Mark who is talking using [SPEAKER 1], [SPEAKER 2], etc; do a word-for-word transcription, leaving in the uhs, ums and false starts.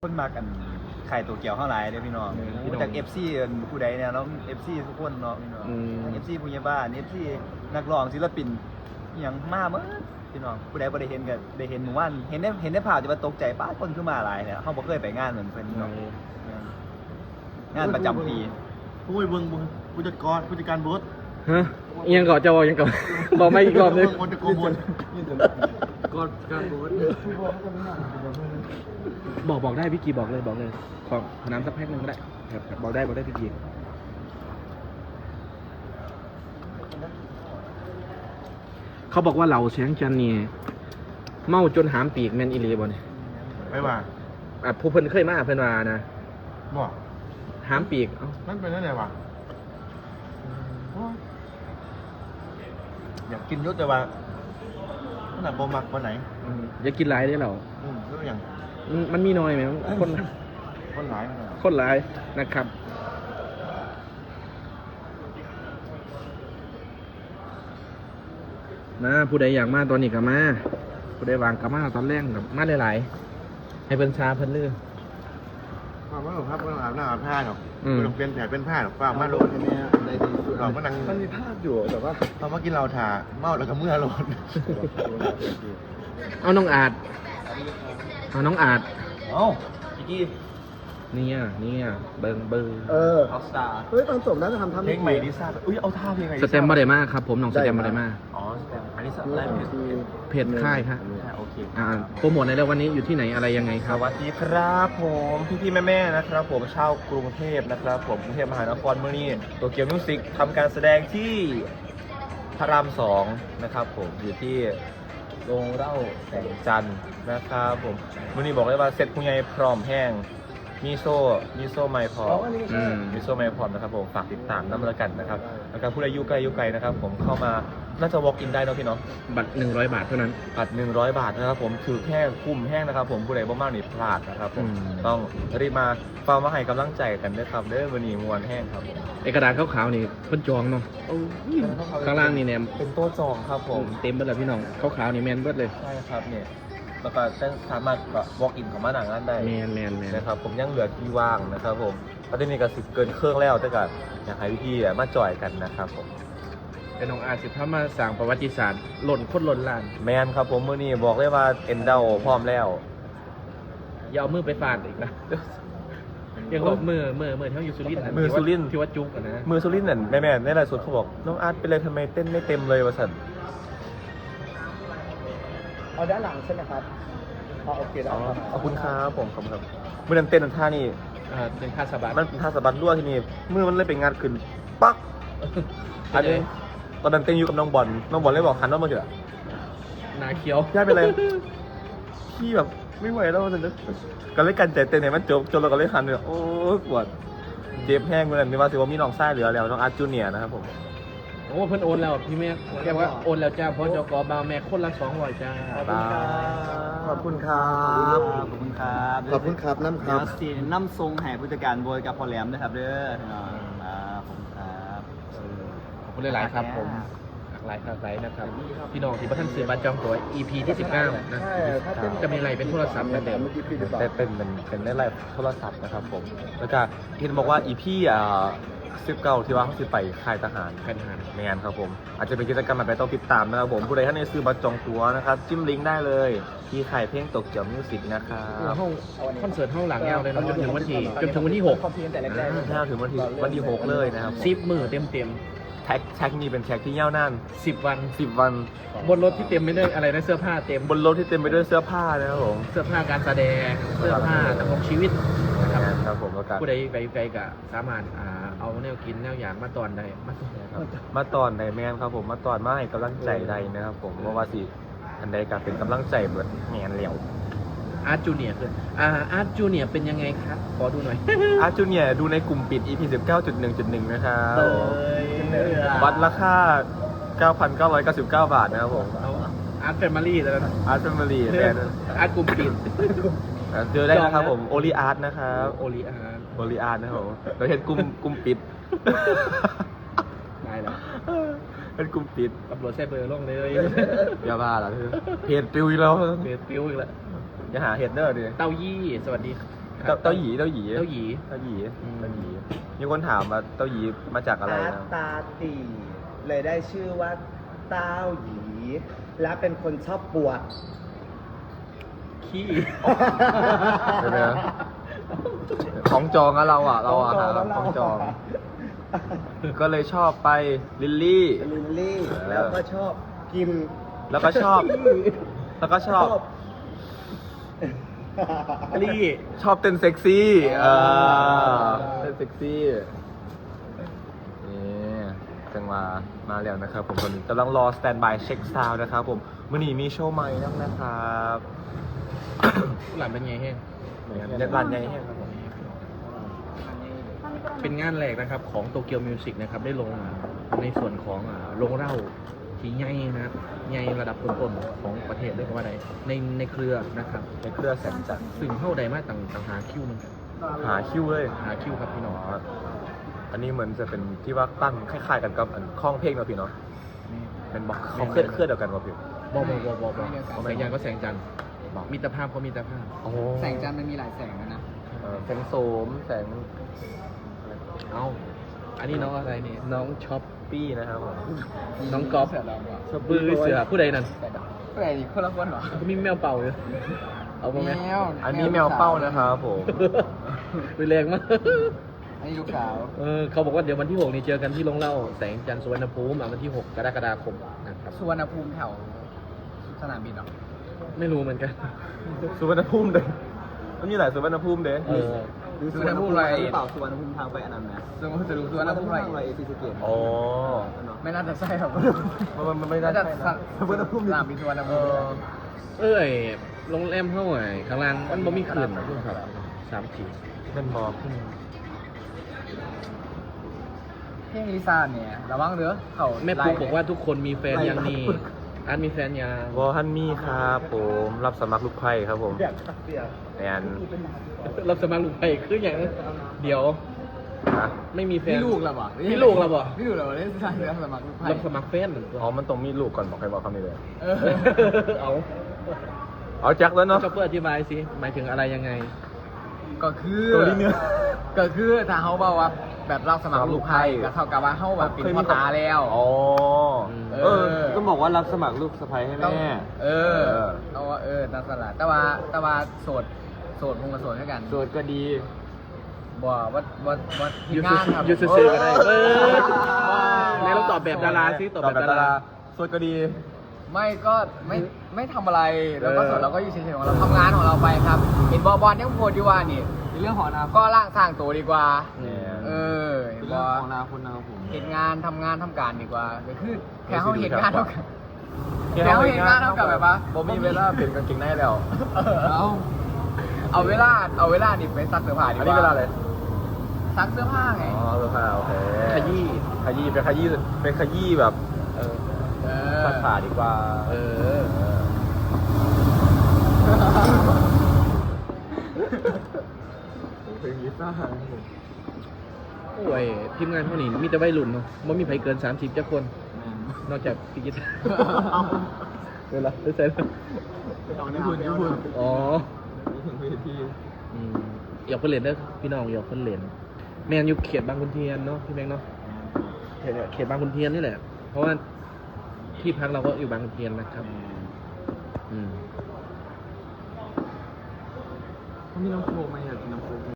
[SPEAKER 1] คนมากันไข่ตัวเกี่ยวเท่าไรเด้อพี่น้องรู้จักเอฟซีผู้ใดเนี่ยเนาะเอฟซีทุกคนเนาะพี่น้องเอฟซีผู้ใหญ่บ้านเอฟซีนักร้องศิลปินอย่างมากมั้งพี่น้องผู้ใดบ่ได้เห็นกันได้เห็นหมู่บ้านเห็นได้เห็นได้ภาพจะมาตกใจป้าคนขึ้นมาหลายเนี่ยเขาบ่เคยไปงานเหมือนเพิ่นพี่น้องงานประจำปี
[SPEAKER 2] ผู้ยเบิ่งผู้จัดการผู้จัดการบูธ
[SPEAKER 3] ฮะยังก่อนจะบอกยังก่อนบอกไม่อีกรอบนึง
[SPEAKER 2] คนจะโกบนกอดการบูธ
[SPEAKER 3] บอกบอกได้พี่กีบอกเลยบอกเลยขอขอน้ำสักแพ็คหนึ่งก็ได้ครับครับบอกได้บอกได้พี่กีเขาบอกว่าเหล่าเสียงจันนี่เมาจนหามปีกแมนอิลีบ่เนี่ย
[SPEAKER 2] ไม่ว่า
[SPEAKER 3] อ่ะผู้เพิ่นเคยมาเพิ่นว่านะ
[SPEAKER 2] บอก
[SPEAKER 3] หามปีกเอ้า
[SPEAKER 2] นั่นเป็นอะไรวะอยากกินยศแต่ว่าขนาดบ่มักวันไหน
[SPEAKER 3] อืมอย่ากินหลายได้อเหล่า
[SPEAKER 2] อืมก็อย่าง
[SPEAKER 3] มันมันมีน้อยไหมคน
[SPEAKER 2] คนหลาย
[SPEAKER 3] คนหลายนะครับมาผู้ใดอยากมาตอนนี้ก็มาผู้ใดวางก็มาตอนแรกกับมาหลายๆให้เพิ่นชาเพิ่นลือ
[SPEAKER 2] ความว่าครับว่าอาบน้ำอาบผ้าหรอก
[SPEAKER 3] อืม
[SPEAKER 2] ไม่ต้องเปลี่ยนแผลเป็นผ้าหรอกฟ้ามาโลดเนี่ยในที่สุดเราก็นั่ง
[SPEAKER 1] มันมีภาพอยู่แต่ว่า
[SPEAKER 2] ตอนเมื่อกี้เราถ่าเมาแล้วก็เมื่อโลด
[SPEAKER 3] เอาน้องอาจเอาน้องอาจ
[SPEAKER 1] เอ้าพี่กี้
[SPEAKER 3] เนี่ยเนี่ยเบิ่งเบิ่ง
[SPEAKER 1] เออออสตาเฮ้ยตอนจบน่าจะทำทำเพลงใหม่ดิซ่าอุ้ยเอาท่าเพลงใหม่
[SPEAKER 3] สเต็มบาเดมาครับผมน้องสเต็มบาเดมา
[SPEAKER 1] อ๋อสเต็มอันนี้สไลฟ์เพจ
[SPEAKER 3] เพจค่ายครับ
[SPEAKER 1] โอเค
[SPEAKER 3] อ่าโปรโมทในเรื่องวันนี้อยู่ที่ไหนอะไรยังไงค
[SPEAKER 1] ส
[SPEAKER 3] รับ
[SPEAKER 1] วัสดีครับผมพี่พี่แม่แม่ๆนะครับผมชาวกรุงเทพนะครับผมกรุงเทพมหานครเมื่อนี้โตเกียวมิวสิกทำการแสดงที่พระรามสองนะครับผมอยู่ที่โรงเล่าแสงจันทร์นะครับผมเมื่อนี้บอกเลยว่าเสร็จคุณยายพร้อมแห้งมีโซ่มีโซ่ไม้พร้อม
[SPEAKER 3] อืม
[SPEAKER 1] มิโซแมพรนะครับผมฝากติดตามน้ำละกันนะครับแล้วก็ผู้ใดอยู่ไกลอยู่ไกลนะครับผมเข้ามาน่าจะ walk in ได้เนาะพี่เนาะ
[SPEAKER 3] บัตรหนึ่งร้อยบาทเท่านั้น
[SPEAKER 1] บัตรหนึ่งร้อยบาทนะครับผมถือแค่คุ้มแห้งนะครับผมผู้ใดบ่มากนี่พลาดนะครับผม
[SPEAKER 3] อืม
[SPEAKER 1] ต้องรีบมาเฝ้ามาให้กำลังใจกันด้วยครับเด้อวันนี้มวนแห้งครับผม
[SPEAKER 3] ไอกระดาษขาวๆนี่เพิ่นจองเนาะข้างล่างนี่เนี่ย
[SPEAKER 1] เป็นโต๊ะจองครับผม
[SPEAKER 3] เต็มเบิดแล้วพี่น้องขาวๆนี่แมนเบิดเลย
[SPEAKER 1] ใช่ครับเนี่ยแล้วก็จะสามารถแบบ walk in เข้ามาหนังนั้นได้
[SPEAKER 3] แมนแมนแมน
[SPEAKER 1] นะครับผมยังเหลือที่ว่างนะครับผมประเด็นนี้ก็สิเกินเครื่องแล้วแต่ก็อยากให้พี่ๆมาจอยกันนะครับผม
[SPEAKER 3] เป็นน้องอาสิถ้ามาสร้างประวัติศาสตร์หล่นคนหล่นล้าน
[SPEAKER 1] แมนครับผมมื้อนี้บอกเลยว่าเอ็นเดาพร้อมแล้ว
[SPEAKER 3] อย่าเอามือไปฟาดอีกนะยังว่ามือมือมือที่เขาอยู่สุรินทร์ะ
[SPEAKER 1] มือสุรินทร์
[SPEAKER 3] ที่ว่าจุกอะนะ
[SPEAKER 1] มือสุรินทร์นั่นแม่แม่ในไลฟ์สดเขาบอกน้องอาร์ตเป็นไรทำไมเต้นไม่เต็มเลยวะสัน
[SPEAKER 4] เอาด้านหลังใช่ไหมครับอ๋อโอเคได้
[SPEAKER 1] อ๋อ
[SPEAKER 4] ครับ
[SPEAKER 1] ขอบคุณครับผมขอบคุณครับเมื่อนั้นเต้นท่านี่
[SPEAKER 3] อ่าเป็นค่าสบาย
[SPEAKER 1] มันเป็นท่าสะบัดรั่วที่นี่มือมันเลยเป็นงานขึ้นปักอันนี้ตอนนั้นเต้นอยู่กับน้องบอลน้องบอลเลยบอกหันน้องมาเถอะ
[SPEAKER 3] นาเขียว
[SPEAKER 1] ย่าเป็นไรพี่แบบไม่ไหวแล้วมันจะก็เลยกันใจเต้นไหนมันจบจนเราก็เลยหันเลยโอ้ปวดเจ็บแห้งเมื่อนั้นนี่ว่าสิว่ามีน้องไส้เหลือแล้วน้องอาร์ตจูเนียร์นะครับผม
[SPEAKER 3] โอ้เพิ่นโอนแล้วพี่แม่แกว่าโอนแล้วจ้าเพราะจกบาวแม่คนละสองร้อยจ้า
[SPEAKER 4] ขอบคุณครับ ขอบคุณครับ
[SPEAKER 2] ขอบคุณครับน้ำค
[SPEAKER 4] เดี๋
[SPEAKER 2] รั
[SPEAKER 4] ย
[SPEAKER 2] บ
[SPEAKER 4] วสีน้ำทรงแห่ผู้จัดการโบยกับพอแหลมนะครับเด้อพี่น้องครับขอบคุณครับ
[SPEAKER 3] ขอบคุณหลายๆครับผมหลายครับหลายนะครับ พี่น้องที่ประท่านซื้อบัตรจองตั๋ว อี พี ที่สิบเก้านะจะมีอะไรเป็นโทรศัพท์เหมือนเดิม
[SPEAKER 1] เป็นเป็นเป็นเป็นในไลฟ์โทรศัพท์นะครับผมแล้วก็ที่บอกว่าอีพี่อ่าสิบเก้าที่ว่าเขาสิไปค่ายทหาร
[SPEAKER 3] ค่ายทหาร
[SPEAKER 1] แมนครับผมอาจจะเป็นกิจกรรมแบบไหนต้องติดตามนะครับผมผู้ใดท่านในซื้อบัตรจองตั๋วนะครับจิ้มลิงก์ได้เลยที่ค่ายเพลงตกเจียวมิวสิกนะครับ
[SPEAKER 3] ห้องคอนเสิร์ตห้องหลังยาวเลยเนาะจนถึงวันที่จนถึงวันที่หก
[SPEAKER 4] ขอบคุณแต่แรกๆ
[SPEAKER 1] ถ้าถึงวันที่วันที่หกเลยนะครับผม
[SPEAKER 3] สิบมือเต็มเต็ม
[SPEAKER 1] แท็กแท็กนี้เป็นแท็กที่ยาวนาน
[SPEAKER 3] สิบวัน
[SPEAKER 1] สิบวัน
[SPEAKER 3] บนรถที่เต็มไปด้วยอะไรนะเสื้อผ้าเต็ม
[SPEAKER 1] บนรถที่เต็มไปด้วยเสื้อผ้านะครับผม
[SPEAKER 3] เสื้อผ้าการแสดงเสื้อผ้าดำรงชีวิตนะครับ
[SPEAKER 1] แมนครับผมแล้วก็
[SPEAKER 3] ผู้ใดไปไกลก็สามารถอ่าเอาแนวกินแนวอย่างมาตอนได้มาตอน
[SPEAKER 1] ครับมาตอนใดแมนครับผมมาตอนมาให้กำลังใจใดนะครับผมเพราะว่าสิอันใดก็เป็นกำลังใจเบิดแมนเหลียว
[SPEAKER 3] อาร์ตจูเนียร์คืออ่าอาร์ตจูเนียร์เป็นยังไงครับขอดูหน่อย
[SPEAKER 1] อาร์จูเนียดูในกลุ่มปิด อี พี สิบเก้าจุดหนึ่งจุดหนึ่ง นะครับ
[SPEAKER 4] เอ้ย
[SPEAKER 1] วัดราคา เก้าพันเก้าร้อยเก้าสิบเก้า บาทนะครับผม
[SPEAKER 3] เอาอาร์ตแฟมิลี่แล้วนะ
[SPEAKER 1] อาร์ตแฟมิลี่แบรนด์
[SPEAKER 3] อาร์ตกลุ่มปิด
[SPEAKER 1] เจอได้นะครับผมโอลีอาร์ตนะครับ
[SPEAKER 3] โอลีอาร์ต
[SPEAKER 1] โอลีอาร์ตนะครับผมเราเห็นกลุ่มกลุ่มปิด
[SPEAKER 3] ได้แล้ว
[SPEAKER 1] เป็นกลุ่มปิด
[SPEAKER 3] ตำรวจใช้เบอร์ลงเลย
[SPEAKER 1] อย่าบ้าล่ะเธอเพจปิวอีกแล้ว
[SPEAKER 3] เบอร์ปิ้วอีกแล้ว
[SPEAKER 1] อย่าหาเห็ดเด้อดิ
[SPEAKER 3] เต้ายี่สวัสดีครั
[SPEAKER 1] เต้า
[SPEAKER 3] บ
[SPEAKER 1] เต้าหยีเต้าหยี
[SPEAKER 3] เต้าหยี
[SPEAKER 1] เต้าหยี
[SPEAKER 3] อืม
[SPEAKER 1] เต้าหยีมีคนถามว่าเต้าหยีมาจากอะไร
[SPEAKER 5] อา
[SPEAKER 1] นะ
[SPEAKER 5] ตาตีเลยได้ชื่อว่าเต้าหยี และเป็นคนชอบปวด
[SPEAKER 3] ขี้
[SPEAKER 1] เดี๋ยวนะของจองอะเราอะเราอะหาของจอง ก็เลยชอบไปลิลลี่
[SPEAKER 5] ลิลลี่
[SPEAKER 1] แล้
[SPEAKER 5] แล้ว วก็ชอบกิน
[SPEAKER 1] แล้วก็ชอบ แล้วก็ชอบ
[SPEAKER 3] ลี่
[SPEAKER 1] ชอบเต้นเซ็กซี่เออเต้นเซ็กซี่ นี่จังมา มาแล้วนะครับผมตอนนี้กำลังรอสแตนบายเช็คซาวด์นะครับผมมื่อนี้มีโชว์ใหม่แล้วนะครับ
[SPEAKER 3] หลานเป็นไงเฮ้
[SPEAKER 1] เด็ดรันใหญ่แห้งครับผม
[SPEAKER 3] เป็นงานแรกนะครับของโตเกียวมิวสิกนะครับได้ลงในส่วนของอ่าโรงเหล้าที่ใหญ่นะครับใหญ่ระดับต้นๆของประเทศเลยก็ว่าได้ในในเครือนะครับ
[SPEAKER 1] ในเครือแสงจันทร์
[SPEAKER 3] ซึ่งเข้าใดมาต่างต่างหาคิวมันกัน
[SPEAKER 1] หาคิวเลย
[SPEAKER 3] หาคิวครับพี่น้อง
[SPEAKER 1] อ๋ออันนี้เหมือนจะเป็นที่ว่าตั้งคล้ายๆกันกับอันข้องเพลงเนาะพี่เนาะเป็นบอกเขาเคลื่อนเคลื่อนเดียวกันวะพี่
[SPEAKER 3] บอบอบอบอบอแสงจันทร์ก็แสงจันทร์มิตรภาพก็มิตรภาพ
[SPEAKER 1] โอ้
[SPEAKER 5] แสงจันทร์มันมีหลายแสงนะ
[SPEAKER 1] เออแสงโสมแสง
[SPEAKER 3] เอาอันนี้น้องอะไรนี่น้องช็อป
[SPEAKER 1] ปี้นะครับผม
[SPEAKER 3] น้องก๊อฟบือเสือผู้ใดนั่น
[SPEAKER 5] แปลกคนละคนเหรอ
[SPEAKER 3] ก็มีแมวเป่าอยู่เอาไปไหม
[SPEAKER 1] อันนี้แมวเป้านะครับผม
[SPEAKER 3] รุนแรงมาก
[SPEAKER 5] อันนี้ลูกสาว
[SPEAKER 3] เออเขาบอกว่าเดี๋ยววันที่หกนี่เจอกันที่โรงเหล้าแสงจันทร์สุวรรณภูมิอ่ะวันที่หกกรกฎาคมนะครับ
[SPEAKER 5] สุวรรณภูมิแถวสนามบินเหรอ
[SPEAKER 3] ไม่รู้เหมือนกัน
[SPEAKER 1] สุวรรณภูมิเด้มันมีหลายสุวรรณภูมิเด้
[SPEAKER 3] เออ
[SPEAKER 5] สุวรรณภูมิอะไร
[SPEAKER 4] หรือเปล่าสุวรรณภูมิทางไปอันนั้นนะ
[SPEAKER 5] สุวรรณภูมิจะรู้สุวรรณภูมิอะไร
[SPEAKER 4] อะไรซีสะเกต
[SPEAKER 1] โอ้
[SPEAKER 5] ไม่น่าจะใช่ครับ
[SPEAKER 1] มันมันไม่น่า
[SPEAKER 5] น่าจะ
[SPEAKER 1] ใช่นะ
[SPEAKER 5] สุวรรณภูมิสนามบินสุวรรณ
[SPEAKER 1] เอ
[SPEAKER 5] ภูมิ
[SPEAKER 1] อ
[SPEAKER 3] เอ้ยโรงแรมเท่าไหร่ข้างล่างมันบ่มีคืนครับสามที
[SPEAKER 1] นั่นบอก
[SPEAKER 5] เพลงลิซ่าเนี่ยระวังเด้อเขา
[SPEAKER 3] แม่ปุ๊กบอกว่าทุกคนมีแฟนยังนี่อันมีแฟนยัง
[SPEAKER 1] วอฮันมี่ครับผมรับสมัครลูกไพ่ครับผมแอน
[SPEAKER 3] รับสมัครลูกไปคืออย่างเดี๋ยว
[SPEAKER 1] นะ
[SPEAKER 3] ไม่มีแฟน
[SPEAKER 5] มีลูกแล้วบ่
[SPEAKER 3] มีลูกแล้วบ่
[SPEAKER 5] มีลูกแล้วบ่เล่นลิซ่าเรื่องสมัครลูกไพ่
[SPEAKER 3] รับสมัครแฟน
[SPEAKER 1] อ๋อมันต้องมีลูกก่อนบอกใครบอกคำนี้เลย
[SPEAKER 5] เออ
[SPEAKER 3] เอา
[SPEAKER 1] เอาแจ็คแล้วเนาะ
[SPEAKER 3] จะเพื่ออธิบายสิหมายถึงอะไรยังไง
[SPEAKER 5] ก็คือ
[SPEAKER 1] ตัวนี้เนื้อ
[SPEAKER 5] ก็คือถ้าเขาบอกว่าแบบรับสมัครลูกไพ่ก็เท่ากับว่าเขาแบบเป็นพ่อตาแล้ว
[SPEAKER 1] อ๋อ
[SPEAKER 3] เอ
[SPEAKER 1] เออ ก็บอกว่ารับสมัครลูกสะใภ้ให้
[SPEAKER 5] ต้อง
[SPEAKER 1] แม่
[SPEAKER 5] เออ
[SPEAKER 1] เออ
[SPEAKER 5] เอาว่าเออตามสลัดแต่ว่าแต่ว่าโสดโสดคงกับโสดเท่ากัน
[SPEAKER 1] โสดก็ดี
[SPEAKER 5] บ่ว่าว่าว่า
[SPEAKER 3] ยู
[SPEAKER 5] ทีม
[SPEAKER 3] ซู
[SPEAKER 5] งานครับ
[SPEAKER 3] ยูซูซื้อก็ได้เออไหนเราตอบแบบดาราสิตอบแบบดารา
[SPEAKER 1] โสดก็ดี
[SPEAKER 5] ไม่ก็ไม่ไม่ทำอะไรแล้วก็
[SPEAKER 3] เออ
[SPEAKER 5] โสดเราก็อยู่เฉยๆของเราทำงานของเราไปครับ เห็นบอบอลยังโพดอยู่ว่านี่ในเรื่องของอนาคตก็ร่างสร้างตัวดีกว่า
[SPEAKER 1] เนี่ย
[SPEAKER 5] เออเห็นบ
[SPEAKER 4] เรื่
[SPEAKER 5] อ
[SPEAKER 4] องของอนาคตนะครับผม
[SPEAKER 5] เห็นงานทำงานทำการดีกว่าก็คือแค่เขาเห็นงานเท่ากับ
[SPEAKER 1] แค่
[SPEAKER 5] แค่เขาเห็นงานเท่ากับแบบว่า
[SPEAKER 1] บ่มีเวลาเปลี่ยนกางเกงในแล้ว
[SPEAKER 5] เอาเอาเวลาเอาเวลานี่ไปซักเสื้อผ้าดีก
[SPEAKER 1] อัน
[SPEAKER 5] ว่า
[SPEAKER 1] นี้เวลาอะไร
[SPEAKER 5] ซักเสื้อผ้าไง
[SPEAKER 1] อ๋อเสื้อผ้าโอเค
[SPEAKER 3] ขยี้
[SPEAKER 1] ขยี้เป็นขยี้เป็นขยี้แบบ
[SPEAKER 3] เออ
[SPEAKER 5] เออ
[SPEAKER 1] ซักผ้าดีกว่า
[SPEAKER 3] เออ
[SPEAKER 1] เพลงนี้ซ่า
[SPEAKER 3] โอ้ยทีมงานเท่านี้มีแต่วัยรุ่นเนาะไม่มีใครเกินสามสิบจักคน นอกจากพี่กิตเวลาได้ใส่แล้ว
[SPEAKER 1] ญี่ปุ่นญี่ปุ่น
[SPEAKER 3] อ๋อ
[SPEAKER 1] ถึงเวที
[SPEAKER 3] อืมอยากเพิ่นเล่นเด้อพี่น้องอยากเพิ่นเล่นแมนอยู่เขตบางขุนเทียนเนาะพี่แบงค์เนาะเขตเขตบางขุนเทียนนี่แหละ เพราะว่าที่พักเราก็อยู่บางขุนเทียนนะครับ อืม
[SPEAKER 4] มีน้ำโค้กไหมอยากกินน้ำโค้ก